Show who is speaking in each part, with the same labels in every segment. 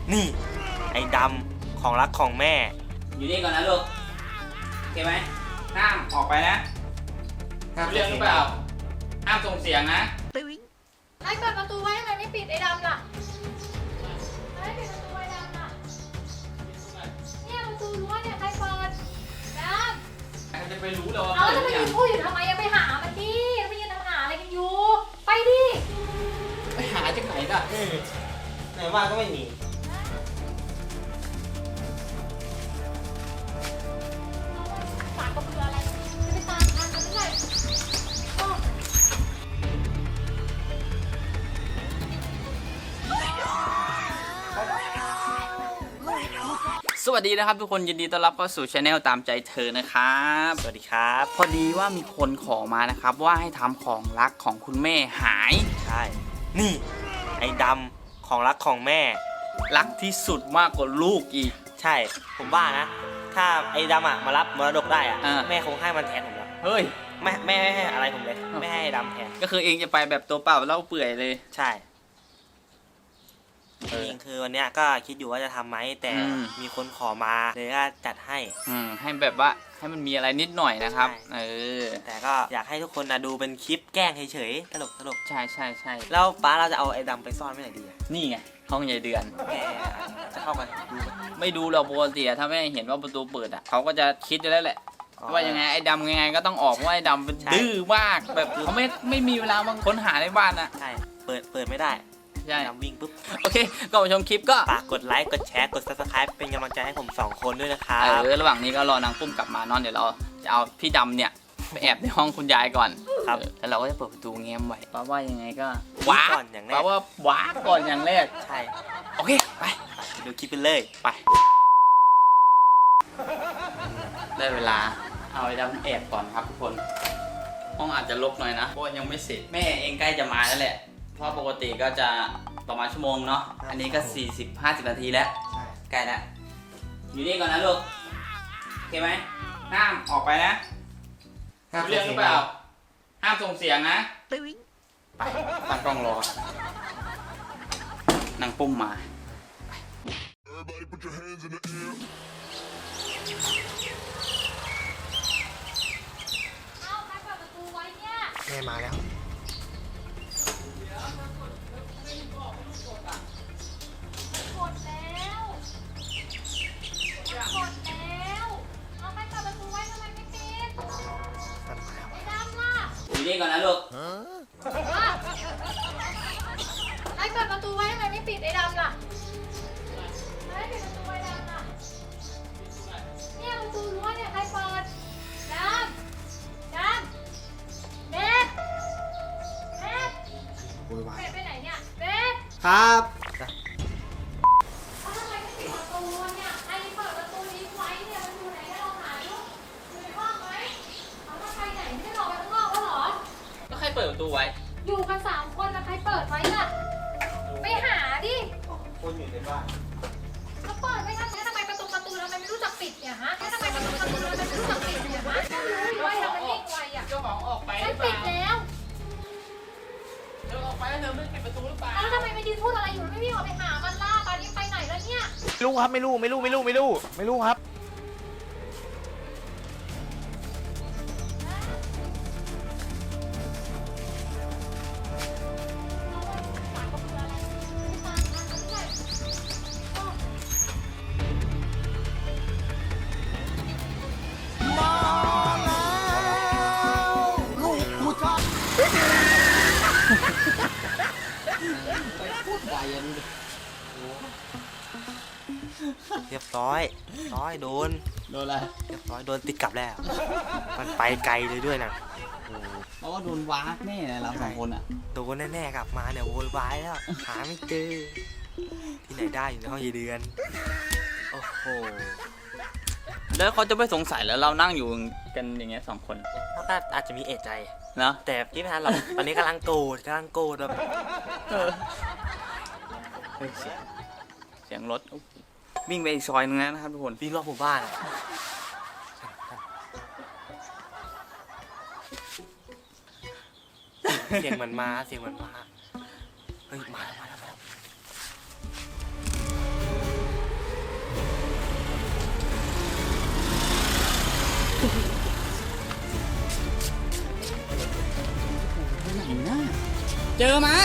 Speaker 1: นี่ไอ้ดำของรักของแม่
Speaker 2: อยู่นี่ก่อนนะลูกโอเคไหมห้ามออกไปนะเรื่องหรือเปล่าห้ามส่งเสียงนะ
Speaker 3: ไอ้เปิดประตูไว้ทำไมไม่ปิดไอ้ดำล่ะไม่ปิดประตูไอ้ดำล่ะเนี่ยประตูรั้วเนี่ยใครเปิดดำ
Speaker 2: ใครจะไปรู้เลยว่า
Speaker 3: เอาแล้วจะไปยืนพูดอยู่ทำไมยังไปหามันดิไปยืนทำหาอะไรกันอยู่ไปดิ
Speaker 2: ไปหาจากไหนล่ะ
Speaker 1: ไหนว่าก็ไม่มี
Speaker 3: ปากก็เบื่ออะไรจะไปตามทันมันเมื่อไหร่
Speaker 2: สวัสดีนะครับทุกคนยินดีต้อนรับเข้าสู่ช anel ตามใจเธอนะครับ
Speaker 1: สวัสดีครับ
Speaker 2: พอดีว่ามีคนขอมานะครับว่าให้ทำของรักของคุณแม่หาย
Speaker 1: ใช่นี่ไอ้ดำของรักของแม่
Speaker 2: รักที่สุดมากกว่าลูกอีก
Speaker 1: ใช่ผมว่านะถ้าไอ้ดำมารับมรดกได้แม่คงให้มันแทนผมแล้ว
Speaker 2: เฮ้ย
Speaker 1: แม่ไม่ให้อะไรผมเลยไม่ให้ดำแทน
Speaker 2: ก็คือเองจะไปแบบตัวเปล่าเล่าเปื่อยเลย
Speaker 1: ใช่จริงคือวันเนี้ยก็คิดอยู่ว่าจะทำไหมแต่มีคนขอมาเลยก็จัดให้
Speaker 2: ให้แบบว่าให้มันมีอะไรนิดหน่อยนะครับ
Speaker 1: แต่ก็อยากให้ทุกคนดูเป็นคลิปแกล้งเฉยๆตลก
Speaker 2: ใช่ใช่ใช่
Speaker 1: แล้วป้าเราจะเอาไอ้ดำไปซ่อนไว้ไหนดี
Speaker 2: นี่ไงห้องใหญ่เดือน
Speaker 1: แกจะเข้ามาดู
Speaker 2: ไม่ดูเราปกติถ้าไม่เห็นว่าประตูเปิดเขาก็จะคิดอยู่แล้วแหละว่ายังไงไอ้ดำยังไงก็ต้องออกเพราะไอ้ดำเป็นดื้อมากแบบเขาไม่มีเวลามาค้นหาในบ้านนะ
Speaker 1: ใช่เปิดไม่ได้
Speaker 2: ใช่
Speaker 1: วิ่งปุ๊บ
Speaker 2: โอเคก็มาชมคลิปก็
Speaker 1: ฝากกดไลค์กดแชร์กด Subscribe เป็นกำลังใจให้ผม2คนด้วยนะครับ
Speaker 2: ระหว่างนี้ก็รอนางปุ้มกลับมานอนเดี๋ยวเราจะเอาพี่ดำเนี่ยไปแอบในห้องคุณยายก่อน
Speaker 1: ครับ
Speaker 2: แล้วเราก็จะเปิดประตูเงี้ยไว้เพราะว่ายังไงก็
Speaker 1: ว้าก่อนอย่างแรก
Speaker 2: เพราะว่าว้าก่อนอย่างแรก
Speaker 1: ใช่
Speaker 2: โอเคไป
Speaker 1: ดูคลิปไปเลย
Speaker 2: ไปได้เวลาเอาไอ้ดำแอบก่อนครับทุกคนห้องอาจจะรกหน่อยนะเพราะยังไม่เสร็จแม่เองใกล้จะมาแล้วแหละเพราะปกติก็จะประมาณชั่วโมงเนาะอันนี้ก็40-50 นาทีแล้วใกล้แล้วอยู่นี่ก่อนนะลูกโอเคไหมห้ามออกไปนะเรื่องหรือเปล่าห้ามส่งเสียงนะไปตั้งกล้องรอนางปุ้มมา
Speaker 1: แม่มาแล้ว
Speaker 2: อยู่นี่ก่อนนะลูก
Speaker 3: ไอ้เปิดประตูไว้ทำไมไม่ปิดไอ้ดำล่ะไม่ปิดประตูไอ้ดำล่ะเนี่ยประตูรั้วเนี่ยใครเปิดดำเบสไปไหนเนี่ยเบส
Speaker 1: ครับ
Speaker 3: ทำไมไม่ปิดประตูเนี่ยไอ้เปิดประตูนี้ไว้เนี่ยมันอยู่ไหนให้เราหาดูอยู่ในห้องไหมเอามาไปไหนไม่ได้รอไปข้างนอกแล้วหรอ
Speaker 2: ก็ใครเปิดประตูไว้
Speaker 3: อยู่กัน3 คนแล้วใครเปิดไว้ล่ะไปหาดิ
Speaker 1: คนอยู่ในบ้าน
Speaker 3: แล้วเปิดไม่ทันทำไมประตูทำไมไม่รู้จักปิดเนี่ยฮะทำไมประตูทำไมไม่รู้จักปิดเนี่ยฮะก็รู้อยู่ว่าทำไมยิ่งไวอ่ะ
Speaker 2: เจ้าของออกไปหรือเป
Speaker 3: ล่าปิดแล้ว
Speaker 2: เธอออกไปแล้วเธอไม่ปิดประตูหรือเปล่า
Speaker 3: แล้วทำไมไม่ยืนพูดอะไรอยู่ไม่วิ่งออกไปหามันล่ะตอนนี้ไปไหนแล้วเนี่ย
Speaker 1: ไม่รู้ครับไม่รู้ครับเรียบร้อยโดน
Speaker 2: อะไร
Speaker 1: เรียบร้อยโดนติดกลับแล้วมันไปไกลเลยด้วยนะ
Speaker 2: เพราะว่าโดนวากแน่เลยเรา2 คนอ่ะ
Speaker 1: โดนแน่ๆกลับมาเนี่ยโวยวายแล้วหาไม่เจอที่ไหนได้อยู่ในห้องยายเดือนโอ้โห
Speaker 2: แล้วเขาจะไม่สงสัยแล้วเรานั่งอยู่กันอย่างเงี้ย2 คน
Speaker 1: ก็อาจจะมีเอะใจ
Speaker 2: นะ
Speaker 1: แต่ที่ไม่ทันเราตอนนี้กำลังโกรธแบบ
Speaker 2: เสียงรถวิ่งไปอีกซอยนึงนะครับทุกคน
Speaker 1: วิ่งรอบหมู่บ้านเสียงเหมือนมาเฮ้ยมาแล้ว
Speaker 2: เจอไหม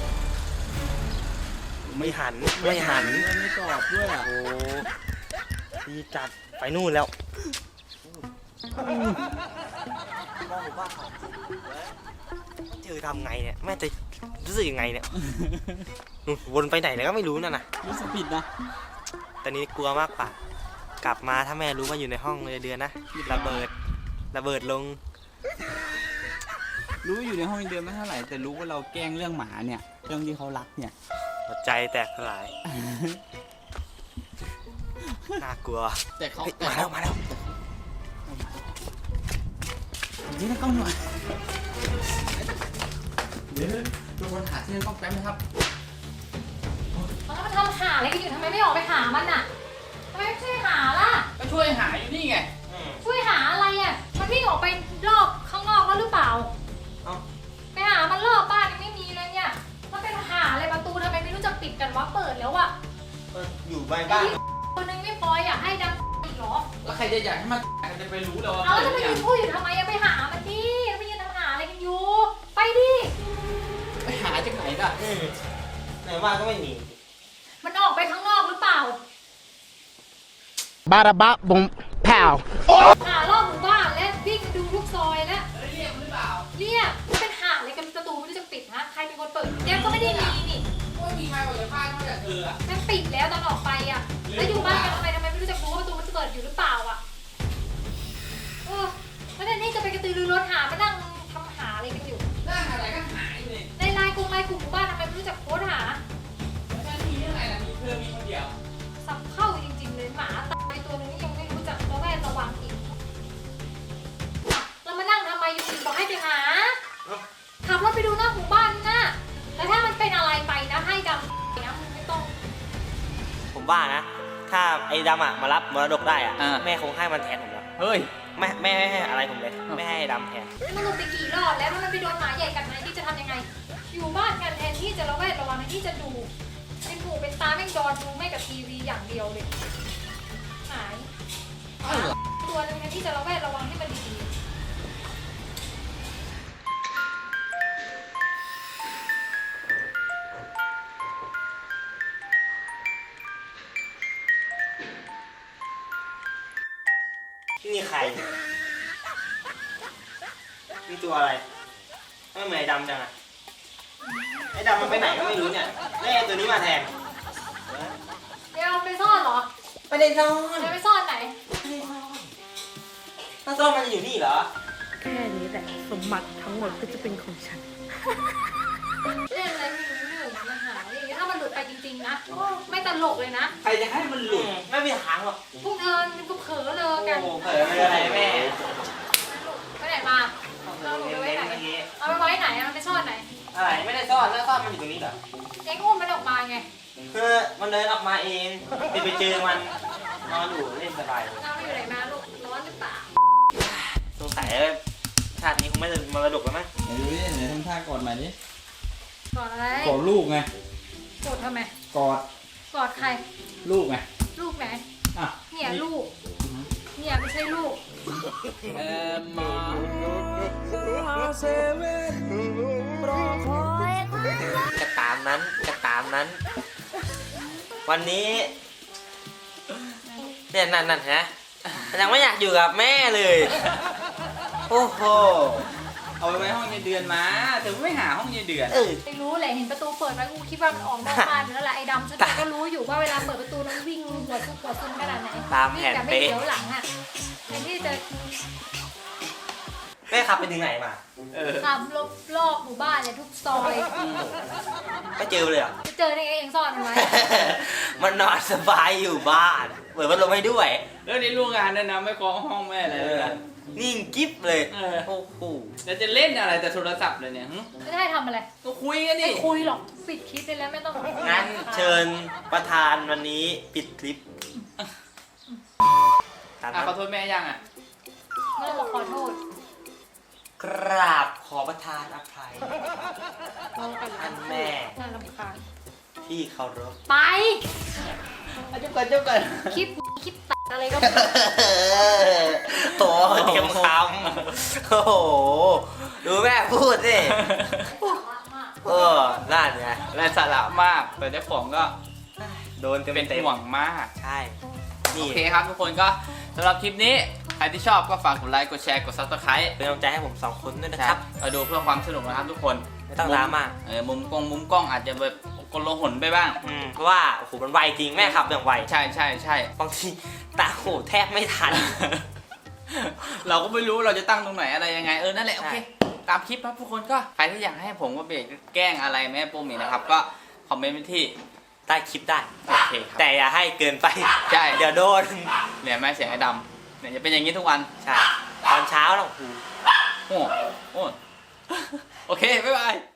Speaker 1: ไม่หันไม่หัน
Speaker 2: ไม่ตอบด้วยอ่ะ
Speaker 1: โอ้ดีจัดไปนู่นแล้วเจอทำไงเนี่ยแม่จะรู้สึกยังไงเนี่ยนู่นวนไปไหนแล้วก็ไม่รู้นั่นน่ะ
Speaker 2: รู้สึกผิดนะ
Speaker 1: ตอนนี้กลัวมากกว่ากลับมาถ้าแม่รู้ว่าอยู่ในห้องเลยเดือนนะระเบิดลง
Speaker 2: รู้อยู่ในห้องเดือนไม่เท่าไหร่แต่รู้ว่าเราแกล้งเรื่องหมาเนี่ยเรื่องที่เขารักเนี่ย
Speaker 1: หัวใจแตกสลายน่ากลัว
Speaker 2: แต่เขา
Speaker 1: เฮ้ยมาแล้ว
Speaker 2: นี่นะกล้องหน่อยเดี๋ยวทุกคนหาที่นั่นกล้องแป๊บนะครับ
Speaker 3: แล้วมันทำหาอะไรกันอยู่ทำไมไม่ออกไปหามันอ่ะทำไมไม่ช่วยหาล่ะ
Speaker 2: ก็ช่วยหาอยู่นี่ไง
Speaker 3: ช่วยหาอะไรอ่ะ มันวิ่งออกไปรอบข้างนอกแล้วหรือเปล่า
Speaker 1: เอ้า
Speaker 3: ไปหามันรอบบ้านยังไม่มีเลยเนี่ยมันเป็นหาอะไรประตูทำไมไม่รู้จักปิดกันวะเปิดแล้วอ่ะ
Speaker 1: อยู่บ้านบ้าน
Speaker 3: คนนึงไม่พออยากให้ดังอีกเหรอ
Speaker 2: แล้วใครจะอยากให้มันจะไปรู้แล้วว่า
Speaker 3: เอาแล้วจะ
Speaker 2: เปิ
Speaker 3: ไป
Speaker 2: ด
Speaker 3: ยื
Speaker 2: ยั
Speaker 3: น
Speaker 2: ง
Speaker 3: พูดอยู่ทำไมอะไปหามันดิไปยืนทำหาอะไรกันอยู่ ไปดิ
Speaker 2: ไปหาจากไหนล่ะ
Speaker 1: ไหนบ้านก็ไม่มี
Speaker 3: มันออกไปข้างนอกหรือเปล่า
Speaker 4: Bada bop boom pow.
Speaker 3: หารอบหมู่บ้านและวิ่งดูทุกซอยแล้ว
Speaker 2: เรียกหรือเปล่า
Speaker 3: เรียกมันเป็นหาอะไรกันประตูไม่รู้จะปิดฮะใครเป็นคนเปิดแก้วก็ไม่ได้มีนี่
Speaker 2: ไม่มีใครออกจากบ้านนอกจากเธออะ
Speaker 3: มันปิดแล้วตอนออกไปอ่ะแล้วอยู่บ้านกันทำไมไม่รู้จักรู้ว่าประตูมันจะเปิดอยู่หรือเปล่าอ่ะแล้วเนี่ยนี่จะไปกระตือรือร้นหามานั่งทำหาอะไรกันอยู่
Speaker 2: นั่งอะไรก็หายเลย
Speaker 3: ในไลน์กลุ่มหมู่บ้านทำไมไม่รู้จักโพสต์หา
Speaker 2: แล้วนั่นมีเรื่องอะไรล่ะมีเธอมีคนเดียว
Speaker 3: สับเข้าจริงๆเลยหมาตายตัวนึงยังไม่รู้จักระแวดระวังอีกเรามานั่งทำไมอยู่ดีบอกให้ไปหาขับรถไปดูหน้าหมู่บ้านนะแล้วถ้ามันเป็นอะไรไปนะให้ดำนะมึงไม่ต้อง
Speaker 1: ผมว่านะ ถ้าไอ้ดำมารับมรดกได้อะแม่คงให้มันแทนผมแล้ว
Speaker 2: เฮ้ย
Speaker 1: แม่ไม่ให้อะไรผมเลยไม่ให้ดำแทน
Speaker 3: มันลงไปกี่รอบแล้วถ้ามันไปโดนหมาใหญ่กัดไหนที่จะทำยังไง อยู่บ้านกันแทนที่จะระแวดระวังแทนที่จะดูเป็นหูเป็นตาแม่งดอนดูไม่กับทีวีอย่างเดียวเลยหายตัวนึงแทนที่จะระแวดระวังให้มันดีๆ
Speaker 1: นี่ใครนี่ตัวอะไรไม่เหมือนไอ้ดำจังอะไอ้ดำมันไปไหนก็ไม่รู้เนี่ยแล้วไอ้ตัวนี้มาแทน
Speaker 3: เดี๋ยวไปซ่อนเหรอ
Speaker 1: ไม่ได้ซ่อน
Speaker 3: เดี๋ยวไปซ่อนไหน
Speaker 1: ถ้าซ่อนมันจะอยู่นี่เหรอ
Speaker 5: แค่นี้แหละสมบัติทั้งหมดก็จะเป็นของฉัน
Speaker 3: เล่นอะไรไม่รู้เรื่องมาหาอย่างนี้ถ้ามันหลุดไปจริงๆนะไม่ตลกเลยนะ
Speaker 2: ใครจะให้มันหลุด
Speaker 1: ไม่มีทางหรอก
Speaker 3: พวกเธอก็เผลอเลยกัน
Speaker 1: โอ้เผลอเลยอะไรแม่
Speaker 3: ไปไหนมาเราหนูไปไว้ไหน เอาไปไว้ไหนอะมันไปซ่อนไหน
Speaker 1: อะไรไม่ได้ซ่อนแล้วซ่อนมันอยู่ตรงนี้เหรอ
Speaker 3: เอ็งอุ้มมันออกมาไง
Speaker 1: คือมันเดินออกมาเองไปเจอมันนอนอยู่เล่นสบาย
Speaker 3: เราไปอยู่ไหนมาลูกร้อนหรือเปล่า
Speaker 1: สงสัยชาตินี้คงไม่ได้มรดกแล้วมั้ง
Speaker 2: ไหนดูดิไหนทำท่ากอดใหม่ดิ
Speaker 3: กอดอะไร
Speaker 2: กอดลูกไง
Speaker 3: กอดทำไม
Speaker 2: กอด
Speaker 3: กอดใคร
Speaker 2: ลูกไง
Speaker 3: ลูกไหน
Speaker 2: อ่ะ
Speaker 3: เนี่ยลูก เนี่ยไม่ใช่ลูก
Speaker 1: กระตามนั้นกระตามนั้น วันนี้เนี่ยนั่นฮะยังไม่อยากอยู่กับแม่เลย โอ้โห
Speaker 2: เอาไปไว้ห้องยายเดือนมาแต่ไม่หาห้องยายเดือน
Speaker 3: ไม่รู้แหละเห็นประตูเปิดไว้กูคิดว่ามันออกนอกบ้านอยู่แล้วแหละไอ้ดำฉันก็รู้อยู่ว่าเวลาเปิดประตูแล้ววิ่งหัวซุกหัวซุนขนาดไหน
Speaker 1: ตามแผน
Speaker 3: วิ่งแบบไม่
Speaker 1: เป๊ะ
Speaker 3: เดี๋ยวหลังอ่ะแทนที่จะ
Speaker 1: แม่ขับไปถึงไหนมา
Speaker 3: ขับรอบหมู่บ้านเนี่ยทุกซอย
Speaker 1: ไม่เจอเลยเหรอ
Speaker 3: จะเจอได้ไงเองซ่อนมันไว้
Speaker 1: มันนอนสบายอยู่บ้านเปิดพัดลมให้ด้วย
Speaker 2: แล้วนี่ลูกงานด้วยนะไม่เคาะห้องแม่อะไรเลยนะ
Speaker 1: นิ่งกิ๊บเลย
Speaker 2: เออ
Speaker 1: โอ้โห
Speaker 2: แล้วจะเล่นอะไรแต่โทรศัพท์เลยเนี่ยหึ
Speaker 3: ไม่ได้ทำอะไร
Speaker 2: ก็คุยกันดิ
Speaker 3: ไม่คุยหรอกปิดคลิปไปแล้วไม่ต้อง
Speaker 1: งั้นเชิญประธานวันนี้ปิดคลิปตาม
Speaker 2: อ่ะ
Speaker 1: นั้น
Speaker 2: ขอโทษแม่ยังอ่ะ
Speaker 3: ไม่ต้องบอกขอโทษ
Speaker 1: กราบขอประทานอภัย ท่านแม่
Speaker 3: น่ารำคาญ
Speaker 1: ที่เคารพ
Speaker 3: ไป
Speaker 2: เจ้าก่อนเจ้าก่อน
Speaker 3: คลิปตัดอะไรก็
Speaker 1: โอ้เตรียมคำโอ้โห ดูแม่พูดสิ
Speaker 3: มาก
Speaker 1: นั่นไง
Speaker 2: ไร้สาระมากแต่เจ้าของก็
Speaker 1: โดนเต็ม
Speaker 2: เป็น
Speaker 1: เต็ม
Speaker 2: ห่วงมาก
Speaker 1: ใช่
Speaker 2: โอ
Speaker 1: นี่
Speaker 2: เคครับทุกคนก็สำหรับคลิปนี้ใครที่ชอบก็ฝากกดไลค์กดแชร์กด Subscribe
Speaker 1: เป็นกำลังใจให้ผม2คนด้วยนะครับ
Speaker 2: มาดูเพื่อความสนุกนะครับทุกคน
Speaker 1: ไม่ต้องดราม่า
Speaker 2: มุมกล้องอาจจะแบบกลหนไปบ้าง
Speaker 1: เพราะว่าโอ้โหมันไวจริงแม่ขับอย่างไว
Speaker 2: ใช่ใช่ใช่
Speaker 1: บางทีตาโหแทบไม่ทัน
Speaker 2: เราก็ไม่รู้เราจะตั้งตรงไหนอะไรยังไงนั่นแหละโอเค
Speaker 1: ใช่
Speaker 2: ตามคลิปครับทุกคนก็ใครที่อยากให้ผมกับเบกแกล้งอะไรแม่ปุ้มอีกนะครับก็คอมเมนต์ไปที่
Speaker 1: ใต้คลิปได้
Speaker 2: โอเคครับ
Speaker 1: แต่อย่าให้เกินไป
Speaker 2: ใช่
Speaker 1: เดี๋ยวโดน
Speaker 2: เนี่ยแม่เสียงไอ้ดำเนี่ยจะเป็นอย่างนี้ทุกวัน
Speaker 1: ใช่ ตอนเช้าเรา
Speaker 2: โอ้โอ้โอเคบ๊ายบาย